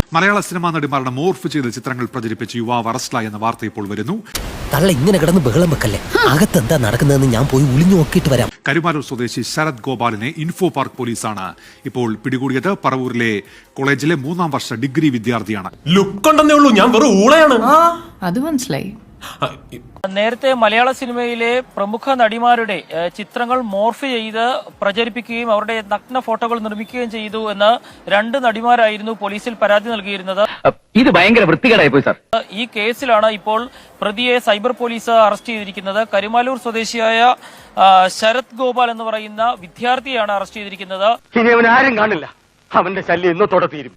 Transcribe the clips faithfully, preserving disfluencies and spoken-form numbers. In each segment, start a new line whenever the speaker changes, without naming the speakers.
മലയാള cinema നടിമാരുടെ morph ചെയ്ത ചിത്രങ്ങൾ പ്രചരിപ്പിച്ച് യുവാവ് അറസ്റ്റിലായി എന്ന വാർത്ത ഇപ്പോൾ വരുന്നു.
തള്ള ഇങ്ങനെ കിടന്ന് ബഹളം വെക്കല്ലേ, അകത്തെന്താ നടക്കുന്നതെന്ന് ഞാൻ പോയി ഒളിഞ്ഞു നോക്കിയിട്ട് വരാം.
കരുമാലൂർ സ്വദേശി ശരത് ഗോപാലിനെ ഇൻഫോ പാർക്ക് പോലീസാണ് ഇപ്പോൾ പിടികൂടിയത്. പറവൂരിലെ കോളേജിലെ മൂന്നാം വർഷ ഡിഗ്രി വിദ്യാർത്ഥിയാണ്.
ലുക്ക് ഉണ്ടെന്നേ ഉള്ളൂ, ഞാൻ വെറും ഊളയാണ്.
അത് മനസ്സിലായി.
നേരത്തെ മലയാള സിനിമയിലെ പ്രമുഖ നടിമാരുടെ ചിത്രങ്ങൾ മോർഫ് ചെയ്ത് പ്രചരിപ്പിക്കുകയും അവരുടെ നഗ്ന ഫോട്ടോകൾ നിർമ്മിക്കുകയും ചെയ്തു എന്ന് രണ്ട് നടിമാരായിരുന്നു പോലീസിൽ പരാതി നൽകിയിരുന്നത്.
ഇത് ഭയങ്കര വൃത്തികേടായി പോയി സാർ.
ഈ കേസിലാണ് ഇപ്പോൾ പ്രതിയെ സൈബർ പോലീസ് അറസ്റ്റ് ചെയ്തിരിക്കുന്നത്. കരുമാലൂർ സ്വദേശിയായ ശരത് ഗോപാൽ എന്ന് പറയുന്ന വിദ്യാർത്ഥിയാണ് അറസ്റ്റ് ചെയ്തിരിക്കുന്നത്.
ഇനി അവൻ ആരും കാണില്ല, അവന്റെ ശല്യം ഇന്നത്തോടെ തീരും.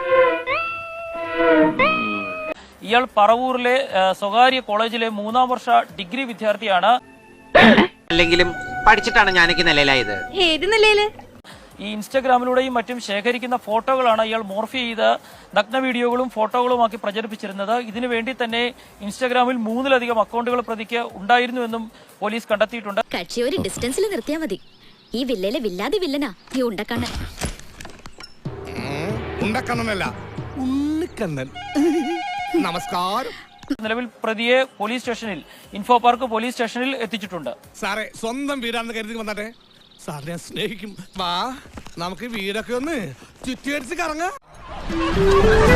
ഇയാൾ പറവൂരിലെ സ്വകാര്യ കോളേജിലെ മൂന്നാം വർഷ ഡിഗ്രി വിദ്യാർത്ഥിയാണ്.
അല്ലെങ്കിലും പഠിച്ചിട്ടാണ് ഞാനൊക്കെ നിലയിലായത്.
ഏത് നിലയില്?
ഈ ഇൻസ്റ്റഗ്രാമിലൂടെയും മറ്റും ശേഖരിക്കുന്ന ഫോട്ടോകളാണ് ഇയാൾ മോർഫ് ചെയ്ത് നഗ്ന വീഡിയോകളും ഫോട്ടോകളുമാക്കി പ്രചരിപ്പിച്ചിരുന്നത്. ഇതിനു വേണ്ടി തന്നെ ഇൻസ്റ്റഗ്രാമിൽ മൂന്നിലധികം അക്കൗണ്ടുകൾ പ്രതിക്ക് ഉണ്ടായിരുന്നുവെന്നും പോലീസ് കണ്ടെത്തിയിട്ടുണ്ട്.
കക്ഷി ഒരു ഡിസ്റ്റൻസിൽ നിർത്തിയാൽ മതി. ഈ വില്ലയിലെ വില്ലാതെ വില്ലനാ ഈ ഉണ്ടക്കണ്ണൻ.
ഉണ്ടക്കണ്ണനല്ല, ഉണ്ണിക്കണ്ണൻ. നമസ്കാരം.
നിലവിൽ പ്രതിയെ പോലീസ് സ്റ്റേഷനിൽ ഇൻഫോ പാർക്ക് പോലീസ് സ്റ്റേഷനിൽ എത്തിച്ചിട്ടുണ്ട്.
സാറേ, സ്വന്തം വീടാണെന്ന് കരുതി വന്നാട്ടെ. സാറിനെ സ്നേഹിക്കും. വാ, നമുക്ക് വീടൊക്കെ ഒന്ന് ചുറ്റിയടിച്ച് കറങ്ങാം.